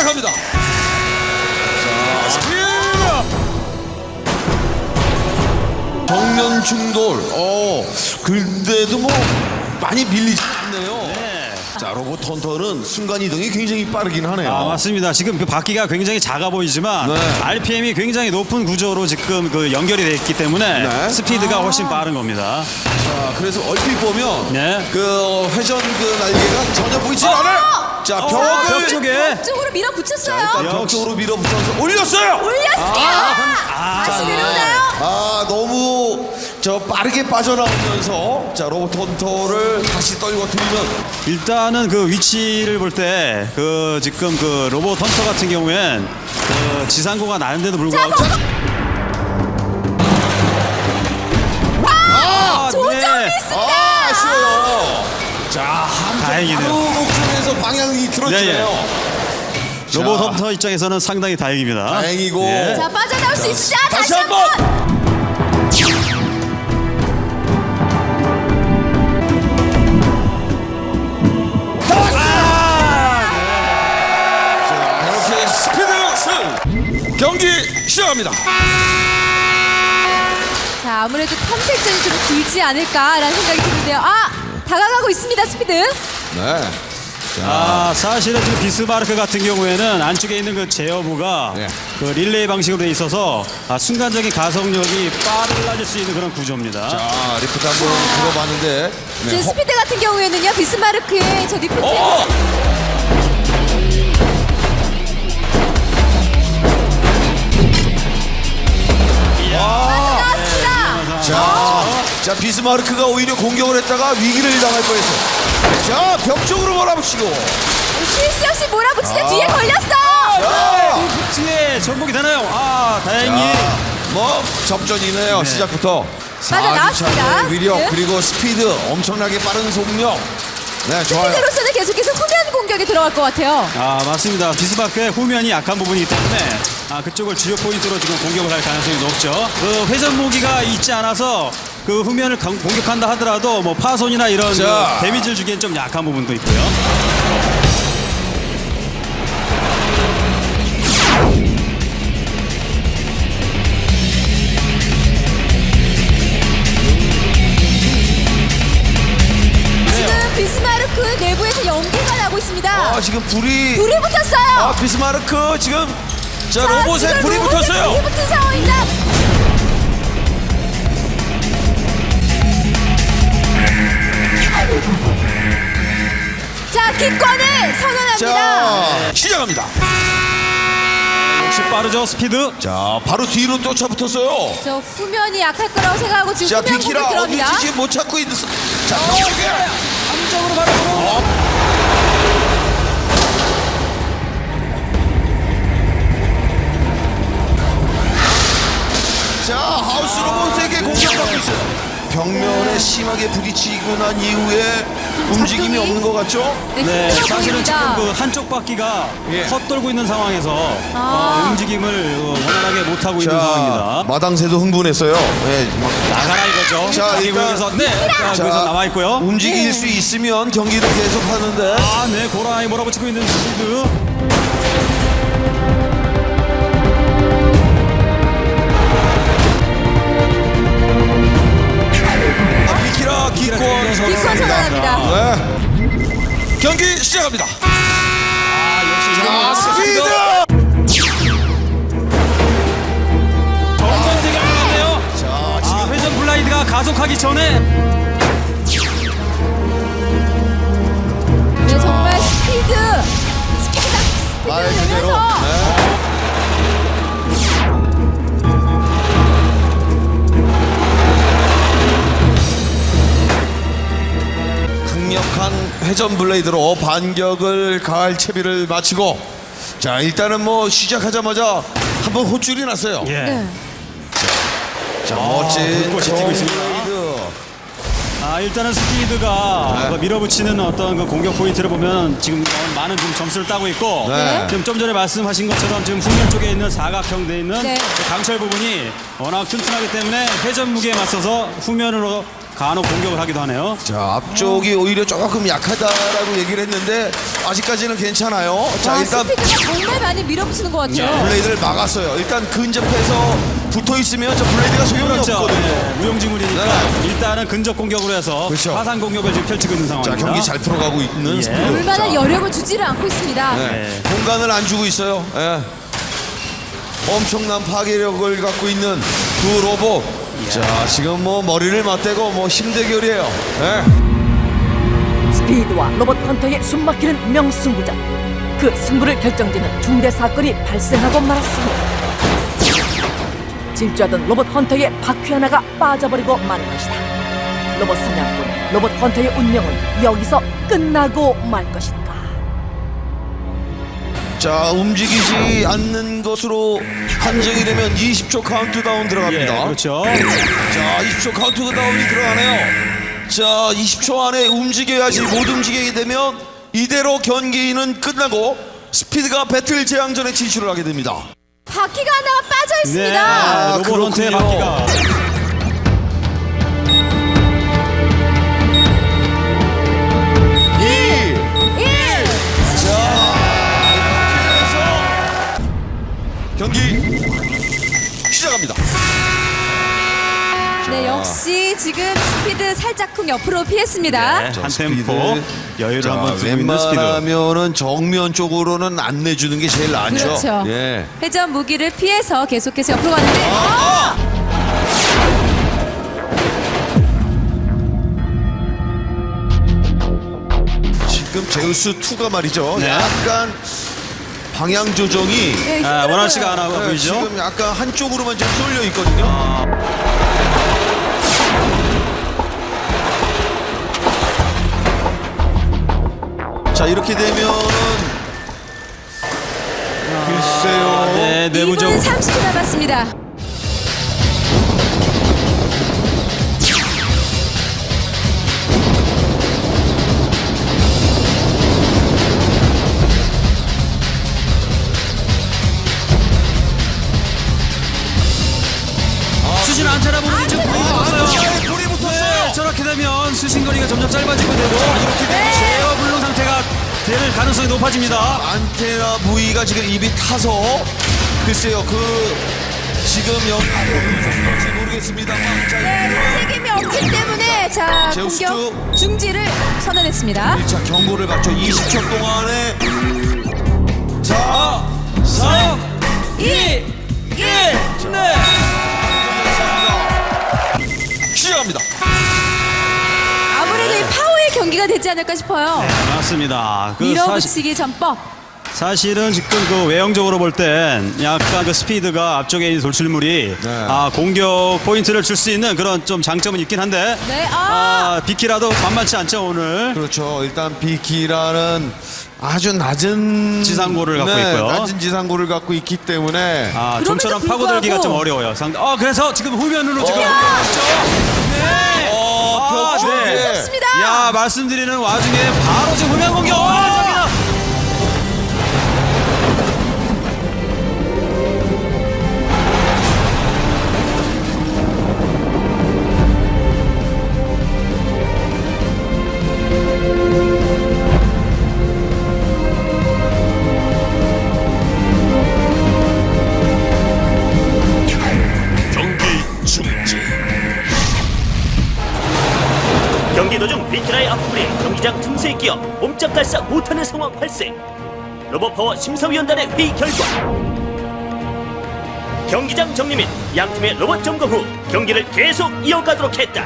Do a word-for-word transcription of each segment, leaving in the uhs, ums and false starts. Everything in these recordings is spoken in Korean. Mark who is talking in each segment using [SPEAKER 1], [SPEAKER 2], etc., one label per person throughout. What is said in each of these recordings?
[SPEAKER 1] 시작합니다. 자, 스피드! 정면 충돌. 어, 근데도 뭐 많이 밀리지 않네요. 자, 로봇 헌터는 순간 이동이 굉장히 빠르긴 하네요.
[SPEAKER 2] 아, 맞습니다. 지금 그 바퀴가 굉장히 작아 보이지만
[SPEAKER 1] 네.
[SPEAKER 2] 알피엠이 굉장히 높은 구조로 지금 그 연결이 돼 있기 때문에
[SPEAKER 1] 네.
[SPEAKER 2] 스피드가 훨씬 빠른 겁니다.
[SPEAKER 1] 자, 그래서 얼핏 보면
[SPEAKER 2] 네.
[SPEAKER 1] 그 회전 그 날개가 전혀 보이지 않아요. 자,
[SPEAKER 2] 어,
[SPEAKER 1] 벽을
[SPEAKER 2] 벽 쪽에
[SPEAKER 3] 쪽으로 밀어붙였어요.
[SPEAKER 1] 일단 벽
[SPEAKER 2] 역시.
[SPEAKER 1] 쪽으로 밀어붙여서 올렸어요.
[SPEAKER 3] 올렸어요.
[SPEAKER 2] 아,
[SPEAKER 3] 다시
[SPEAKER 2] 네.
[SPEAKER 3] 내려오나요?
[SPEAKER 1] 아, 너무 저 빠르게 빠져나오면서 자, 로봇 헌터를 다시 떨고 들면
[SPEAKER 2] 일단은 그 위치를 볼 때 그 지금 그 로봇 헌터 같은 경우엔 그 지상고가 나는데도 불구하고
[SPEAKER 3] 자,
[SPEAKER 2] 아,
[SPEAKER 3] 조정이
[SPEAKER 2] 네.
[SPEAKER 3] 있습니다.
[SPEAKER 1] 아, 아쉬워요. 자, 함정
[SPEAKER 2] 다행이네요.
[SPEAKER 1] 바로 목줄에서 방향이 틀어지네요.
[SPEAKER 2] 네, 로봇
[SPEAKER 1] 자,
[SPEAKER 2] 헌터 입장에서는 상당히 다행입니다.
[SPEAKER 1] 다행이고.
[SPEAKER 2] 예.
[SPEAKER 3] 자, 빠져나올 수 있으자
[SPEAKER 1] 다시
[SPEAKER 3] 다시
[SPEAKER 1] 한번.
[SPEAKER 3] 한번.
[SPEAKER 1] 자, 이렇게 스피드 승 경기 시작합니다.
[SPEAKER 3] 자, 아무래도 탐색전이 좀 길지 않을까라는 생각이 드는데요. 아, 다가가고 있습니다, 스피드.
[SPEAKER 1] 네.
[SPEAKER 2] 아, 사실은 지금 비스마르크 같은 경우에는 안쪽에 있는 그 제어부가
[SPEAKER 1] 네.
[SPEAKER 2] 그 릴레이 방식으로 돼 있어서 아, 순간적인 가속력이 빨라질 수 있는 그런 구조입니다.
[SPEAKER 1] 자, 리프트 한번 들어봤는데.
[SPEAKER 3] 지금
[SPEAKER 1] 네.
[SPEAKER 3] 스피드 같은 경우에는요, 비스마르크의 저 리프트.
[SPEAKER 1] 어!
[SPEAKER 3] 나왔습니다.
[SPEAKER 1] 자, 자, 비스마르크가 오히려 공격을 했다가 위기를 당할 뻔했어요. 자, 벽 쪽으로 몰아붙이고.
[SPEAKER 3] 쉴 새 없이 몰아붙이자
[SPEAKER 1] 아.
[SPEAKER 3] 뒤에 걸렸어.
[SPEAKER 1] 자,
[SPEAKER 2] 리프트에 전복이 되나요? 아, 다행히.
[SPEAKER 1] 자, 뭐 접전이네요. 시작부터.
[SPEAKER 3] 빠져나왔습니다.
[SPEAKER 1] 사 주차의 위력
[SPEAKER 3] 스피드.
[SPEAKER 1] 그리고 스피드 엄청나게 빠른 속력. 네, 좋아요.
[SPEAKER 3] 스피드로서는 계속해서 후면 공격에 들어갈 것 같아요.
[SPEAKER 2] 아, 맞습니다. 비스마르크의 후면이 약한 부분이기 때문에 아, 그쪽을 주요 포인트로 지금 공격을 할 가능성이 높죠. 그 회전 무기가 있지 않아서 그 후면을 강- 공격한다 하더라도 뭐 파손이나 이런
[SPEAKER 1] 자.
[SPEAKER 2] 그 데미지를 주기엔 좀 약한 부분도 있고요.
[SPEAKER 3] 지금 비스마르크 내부에서 연기가 나고 있습니다.
[SPEAKER 1] 아, 지금 불이
[SPEAKER 3] 불이 붙었어요.
[SPEAKER 1] 아, 비스마르크 지금 자,
[SPEAKER 3] 자,
[SPEAKER 1] 로봇에
[SPEAKER 3] 지금
[SPEAKER 1] 불이
[SPEAKER 3] 로봇에
[SPEAKER 1] 붙었어요.
[SPEAKER 3] 불이 붙은 상황입니다. 자, 기권을 선언합니다.
[SPEAKER 1] 자, 시작합니다.
[SPEAKER 2] 역시 빠르죠, 스피드.
[SPEAKER 1] 자, 바로 뒤로 쫓아붙었어요.
[SPEAKER 3] 저 후면이 약할 거라고 생각하고 지금
[SPEAKER 1] 자,
[SPEAKER 3] 후면
[SPEAKER 1] 비키라
[SPEAKER 3] 공격 들어갑니다.
[SPEAKER 1] 어딘지 지금 못 찾고 있는. 자, 벽 쪽에.
[SPEAKER 2] 안쪽으로 바로.
[SPEAKER 1] 자, 하우스 로봇에게 공격받고 있어요. 벽면에 심하게 부딪히고 난 이후에 움직임이
[SPEAKER 3] 작동이-
[SPEAKER 1] 없는 것 같죠?
[SPEAKER 3] 네,
[SPEAKER 2] 네,
[SPEAKER 3] 힘들어
[SPEAKER 2] 사실은 지금
[SPEAKER 3] 보입니다.
[SPEAKER 2] 그 한쪽 바퀴가
[SPEAKER 1] 예.
[SPEAKER 2] 헛돌고 있는 상황에서
[SPEAKER 3] 아.
[SPEAKER 2] 어, 움직임을 어, 원활하게 못 하고 있는
[SPEAKER 1] 자,
[SPEAKER 2] 상황입니다.
[SPEAKER 1] 마당새도 흥분했어요. 네, 막
[SPEAKER 2] 나가라 이거죠.
[SPEAKER 1] 자,
[SPEAKER 2] 자기
[SPEAKER 1] 일단-
[SPEAKER 2] 구역에서 네, 자,
[SPEAKER 1] 자,
[SPEAKER 2] 거기서 나와 있고요.
[SPEAKER 1] 움직일
[SPEAKER 3] 네.
[SPEAKER 1] 수 있으면 경기를 계속 하는데.
[SPEAKER 2] 아, 네, 고라니 몰아붙이고 있는 스피드.
[SPEAKER 1] 아, 비키라 기권
[SPEAKER 2] 기권
[SPEAKER 3] 선언합니다.
[SPEAKER 1] 네. 경기 시작합니다.
[SPEAKER 2] 아, 역시
[SPEAKER 1] 아, 스피드!
[SPEAKER 2] 점점 되게 빨랐네요.
[SPEAKER 1] 자,
[SPEAKER 2] 아, 회전 블라이드가 가속하기 전에
[SPEAKER 3] 네, 정말 스피드, 스피드,
[SPEAKER 1] 말
[SPEAKER 3] 스피드를
[SPEAKER 1] 그대로.
[SPEAKER 3] 내면서
[SPEAKER 1] 네. 강력한 회전 블레이드로 반격을 가할 채비를 마치고 자, 일단은 뭐 시작하자마자 한번 혼쭐이 났어요.
[SPEAKER 2] 예.
[SPEAKER 3] 네.
[SPEAKER 1] 자, 멋진
[SPEAKER 2] 불꽃이 튀고 있습니다.
[SPEAKER 1] 블레이드.
[SPEAKER 2] 아, 일단은 스피드가
[SPEAKER 1] 네.
[SPEAKER 2] 그 밀어붙이는 어떤 그 공격 포인트를 보면 지금 어, 많은 좀 점수를 따고 있고
[SPEAKER 1] 네.
[SPEAKER 2] 지금 좀 전에 말씀하신 것처럼 지금 후면 쪽에 있는 사각형 돼 있는
[SPEAKER 3] 네.
[SPEAKER 2] 그 강철 부분이 워낙 튼튼하기 때문에 회전 무게에 맞서서 후면으로 간혹 공격을 하기도 하네요.
[SPEAKER 1] 자, 앞쪽이 오히려 조금 약하다라고 얘기를 했는데 아직까지는 괜찮아요. 자,
[SPEAKER 3] 와,
[SPEAKER 1] 일단
[SPEAKER 3] 스피드가 정말 많이 밀어붙이는 것 같아요.
[SPEAKER 1] 블레이드를 막았어요. 일단 근접해서 붙어 있으면 저 블레이드가 소용이
[SPEAKER 2] 그렇죠.
[SPEAKER 1] 없거든요.
[SPEAKER 2] 네, 무용지물이니까
[SPEAKER 1] 네.
[SPEAKER 2] 일단은 근접 공격으로 해서
[SPEAKER 1] 그렇죠.
[SPEAKER 2] 화산 공격을 지금 펼치고 있는
[SPEAKER 1] 자,
[SPEAKER 2] 상황입니다.
[SPEAKER 1] 경기 잘 풀어가고 있는
[SPEAKER 2] 예.
[SPEAKER 1] 스피드.
[SPEAKER 3] 얼마나
[SPEAKER 1] 자,
[SPEAKER 3] 여력을 주지를 않고 있습니다.
[SPEAKER 1] 네. 공간을 안 주고 있어요. 예. 엄청난 파괴력을 갖고 있는 두 로봇. 자, 지금 뭐 머리를 맞대고 뭐 힘대결이에요. 예.
[SPEAKER 4] 스피드와 로봇 헌터의 숨막히는 명승부전. 그 승부를 결정짓는 중대 사건이 발생하고 말았습니다. 질주하던 로봇 헌터의 바퀴 하나가 빠져버리고 마는 것이다. 로봇 사냥꾼, 로봇 헌터의 운명은 여기서 끝나고 말 것인가.
[SPEAKER 1] 자, 움직이지 않는 것으로 판정이 되면 이십 초 카운트다운 들어갑니다.
[SPEAKER 2] 예, 그렇죠.
[SPEAKER 1] 자, 이십 초 카운트다운이 들어가네요. 자, 이십 초 안에 움직여야지. 못 움직이게 되면 이대로 경기는 끝나고 스피드가 배틀 재앙전에 진출을 하게 됩니다.
[SPEAKER 3] 바퀴가 하나가 빠져
[SPEAKER 2] 네,
[SPEAKER 3] 있습니다.
[SPEAKER 1] 아,
[SPEAKER 2] 로봇 헌트의
[SPEAKER 1] 그렇군요.
[SPEAKER 2] 바퀴가
[SPEAKER 1] 이.
[SPEAKER 3] 일.
[SPEAKER 1] 경기 시작합니다.
[SPEAKER 3] 네, 역시 지금 스피드 살짝쿵 옆으로 피했습니다.
[SPEAKER 2] 네,
[SPEAKER 1] 자,
[SPEAKER 2] 한
[SPEAKER 1] 스피드.
[SPEAKER 2] 템포 여유를
[SPEAKER 1] 자,
[SPEAKER 2] 한번 두고 있는 스피드.
[SPEAKER 1] 웬만하면은 정면 쪽으로는 안 내주는 게 제일 낫죠.
[SPEAKER 3] 그렇죠.
[SPEAKER 1] 예.
[SPEAKER 3] 회전 무기를 피해서 계속해서 옆으로 가는데 아!
[SPEAKER 1] 지금 제우스 이가 말이죠.
[SPEAKER 2] 네.
[SPEAKER 1] 약간 방향 조정이
[SPEAKER 3] 네,
[SPEAKER 2] 아,
[SPEAKER 3] 힘들어요.
[SPEAKER 2] 원활치가 않아
[SPEAKER 1] 네,
[SPEAKER 2] 보이죠?
[SPEAKER 1] 지금 약간 한쪽으로만 좀 쏠려 있거든요. 자, 이렇게 되면은 글쎄요.
[SPEAKER 2] 네, 내부적
[SPEAKER 3] 이 분 삼십 초 남았습니다.
[SPEAKER 2] 수신 안차나 부분이 지금 불이 붙었어요.
[SPEAKER 1] 아, 불이 붙었어요.
[SPEAKER 2] 네, 저렇게 되면 수신거리가 점점 짧아지고 되고
[SPEAKER 1] 이렇게 되면
[SPEAKER 2] 제어 불능 상태가 될 가능성이 높아집니다.
[SPEAKER 1] 안테나 부위가 지금 입이 타서 글쎄요 그 지금 여기 어떨지 모르겠습니다만 자,
[SPEAKER 3] 네, 책임이 없기 때문에 자
[SPEAKER 1] 제우스
[SPEAKER 3] 공격 중지를 선언했습니다.
[SPEAKER 1] 자 경고를 받죠. 이십 초 동안에 자
[SPEAKER 2] 삼, 이, 일, 네.
[SPEAKER 1] 시작합니다.
[SPEAKER 3] 아무래도 이 파워의 경기가 되지 않을까 싶어요.
[SPEAKER 2] 맞습니다. 그 사실,
[SPEAKER 3] 밀어붙이기 전법.
[SPEAKER 2] 사실은 지금 그 외형적으로 볼 땐 약간 그 스피드가 앞쪽에 있는 돌출물이
[SPEAKER 1] 네.
[SPEAKER 2] 아, 공격 포인트를 줄 수 있는 그런 좀 장점은 있긴 한데
[SPEAKER 3] 네, 아.
[SPEAKER 2] 아, 비키라도 만만치 않죠 오늘.
[SPEAKER 1] 그렇죠. 일단 비키라는 아주 낮은
[SPEAKER 2] 지상고를 갖고
[SPEAKER 1] 네,
[SPEAKER 2] 있고요.
[SPEAKER 1] 낮은 지상고를 갖고 있기 때문에
[SPEAKER 2] 아,
[SPEAKER 3] 그럼에도
[SPEAKER 2] 좀처럼
[SPEAKER 3] 불구하고-
[SPEAKER 2] 파고들기가 좀 어려워요. 상대. 어, 그래서 지금 후면으로 지금 공격했죠. 네.
[SPEAKER 1] 어,
[SPEAKER 2] 아,
[SPEAKER 1] 벽
[SPEAKER 2] 네.
[SPEAKER 1] 쪽에
[SPEAKER 3] 무섭습니다.
[SPEAKER 2] 야, 말씀드리는 와중에 바로 지금 후면 공격. 와, 저기다.
[SPEAKER 5] 경기 중지. 경기 도중 비키라의 앞불이 경기장 틈새에 끼어 옴짝달싹 못하는 상황 발생. 로봇파워 심사위원단의 회의 결과 경기장 정리 및 양팀의 로봇 점검 후 경기를 계속 이어가도록 했다.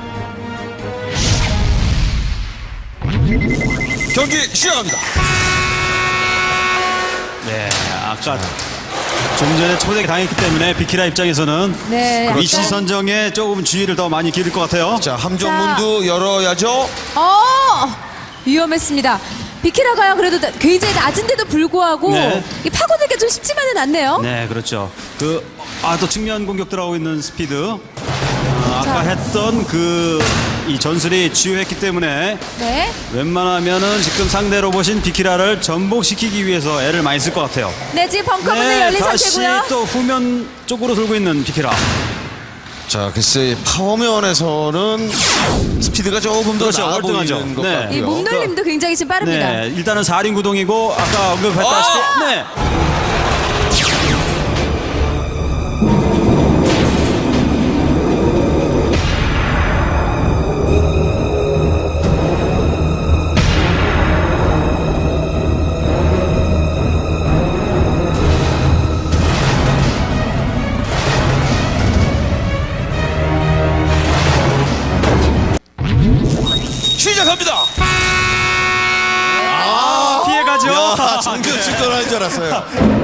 [SPEAKER 1] 경기 시작합니다.
[SPEAKER 2] 네, 아까 좀 전에 초대기 당했기 때문에 비키라 입장에서는
[SPEAKER 3] 네,
[SPEAKER 2] 위치
[SPEAKER 3] 약간-
[SPEAKER 2] 선정에 조금 주의를 더 많이 기울일 것 같아요.
[SPEAKER 1] 자 함정문도 열어야죠.
[SPEAKER 3] 어 위험했습니다. 비키라가 그래도 나- 굉장히 낮은데도 불구하고
[SPEAKER 2] 네.
[SPEAKER 3] 이 파고들기 좀 쉽지만은 않네요.
[SPEAKER 2] 네, 그렇죠. 그, 아, 또 측면 공격 들어가고 있는 스피드. 아, 아까
[SPEAKER 3] 자.
[SPEAKER 2] 했던 그, 이 전술이 주요했기 때문에
[SPEAKER 3] 네.
[SPEAKER 2] 웬만하면은 지금 상대 로봇인 비키라를 전복시키기 위해서 애를 많이 쓸 것 같아요.
[SPEAKER 3] 네, 지금 벙커문을
[SPEAKER 2] 네,
[SPEAKER 3] 열린
[SPEAKER 2] 다시
[SPEAKER 3] 상태고요.
[SPEAKER 2] 또 후면 쪽으로 돌고 있는 비키라.
[SPEAKER 1] 자, 글쎄 파워면에서는 스피드가 조금 더
[SPEAKER 2] 그렇죠,
[SPEAKER 1] 나아
[SPEAKER 2] 월등하죠.
[SPEAKER 1] 보이는 것
[SPEAKER 2] 네.
[SPEAKER 1] 같고요.
[SPEAKER 3] 이 몸놀림도 굉장히 지금 빠릅니다.
[SPEAKER 2] 네, 일단은 사 인 구동이고 아까 언급했다시피
[SPEAKER 1] 아!
[SPEAKER 2] 네.
[SPEAKER 1] 시작합니다.
[SPEAKER 2] 피해가죠.
[SPEAKER 1] 야, 정규직 떠나는 줄 알았어요.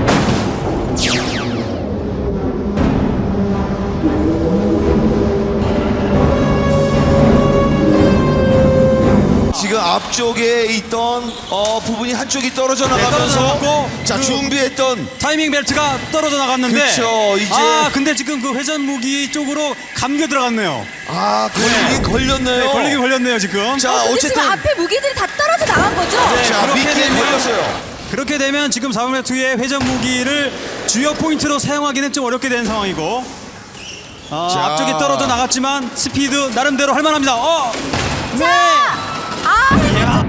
[SPEAKER 1] 지금 앞쪽에 있던 어, 부분이 한쪽이 떨어져
[SPEAKER 2] 떨어져
[SPEAKER 1] 나가면서
[SPEAKER 2] 나갔고,
[SPEAKER 1] 자
[SPEAKER 2] 그-
[SPEAKER 1] 준비했던
[SPEAKER 2] 타이밍 벨트가 떨어져 나갔는데
[SPEAKER 1] 그쵸, 이제-
[SPEAKER 2] 아 근데 지금 그 회전 무기 쪽으로 감겨 들어갔네요.
[SPEAKER 1] 아 걸리긴 걸렸네요.
[SPEAKER 2] 네, 걸리긴 걸렸네요 지금.
[SPEAKER 1] 자
[SPEAKER 3] 근데
[SPEAKER 1] 어쨌든
[SPEAKER 3] 지금 앞에 무기들이 다 떨어져 나간 거죠?
[SPEAKER 2] 네.
[SPEAKER 1] 자
[SPEAKER 2] 그렇게
[SPEAKER 1] 미끼에
[SPEAKER 2] 되면-
[SPEAKER 1] 걸렸어요.
[SPEAKER 2] 그렇게 되면 지금 사 번 벨트의 회전 무기를 주요 포인트로 사용하기는 좀 어렵게 되는 상황이고 아,
[SPEAKER 1] 자.
[SPEAKER 2] 앞쪽이 떨어져 나갔지만 스피드 나름대로 할만합니다. 어, 네.
[SPEAKER 3] 아,
[SPEAKER 2] 이야,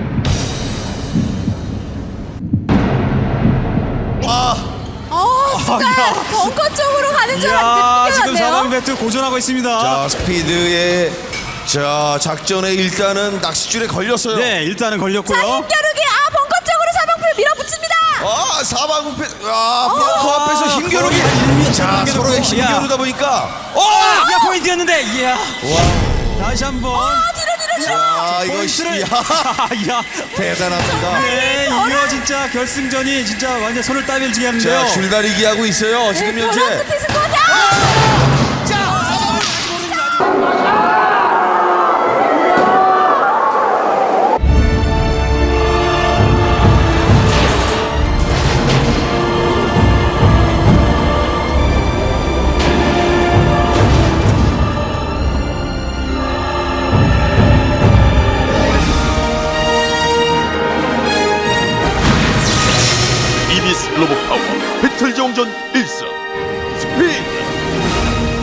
[SPEAKER 1] 아
[SPEAKER 3] 어, 순간
[SPEAKER 2] 야.
[SPEAKER 3] 벙커 쪽으로 가는 줄
[SPEAKER 2] 이야
[SPEAKER 3] 알았는데
[SPEAKER 2] 지금 사 번
[SPEAKER 3] 뛰어갔네요.
[SPEAKER 2] 벨트 고전하고 있습니다.
[SPEAKER 1] 자 스피드의 자 작전에 일단은 낚싯줄에 걸렸어요.
[SPEAKER 2] 네 일단은
[SPEAKER 3] 자,
[SPEAKER 2] 걸렸고요.
[SPEAKER 3] 힘겨루기. 아, 벙커 쪽으로 사방풀 밀어붙입니다.
[SPEAKER 1] 아 사방부패 아 벙커 앞에서 힘겨루기.
[SPEAKER 2] 거의 한 일 미터
[SPEAKER 1] 자
[SPEAKER 2] 남겨놓고.
[SPEAKER 1] 서로의
[SPEAKER 2] 야.
[SPEAKER 1] 힘겨루다 보니까 어
[SPEAKER 2] 야 포인트였는데 이야 다시 한번
[SPEAKER 3] 아, 뒤로 뒤로 뒤로.
[SPEAKER 1] 아 이거
[SPEAKER 2] 포인트를
[SPEAKER 1] 야
[SPEAKER 2] 야
[SPEAKER 1] 대단합니다.
[SPEAKER 2] 네, 이거 진짜 결승전이 진짜 완전 손을 따밀지게 하는데요.
[SPEAKER 1] 자 줄다리기 하고 있어요. 지금
[SPEAKER 3] 벼랑
[SPEAKER 1] 현재
[SPEAKER 3] 끝에 있을 것 같아. 아!
[SPEAKER 6] 이비에스 로봇 파워 배틀 정전 일 사 스피드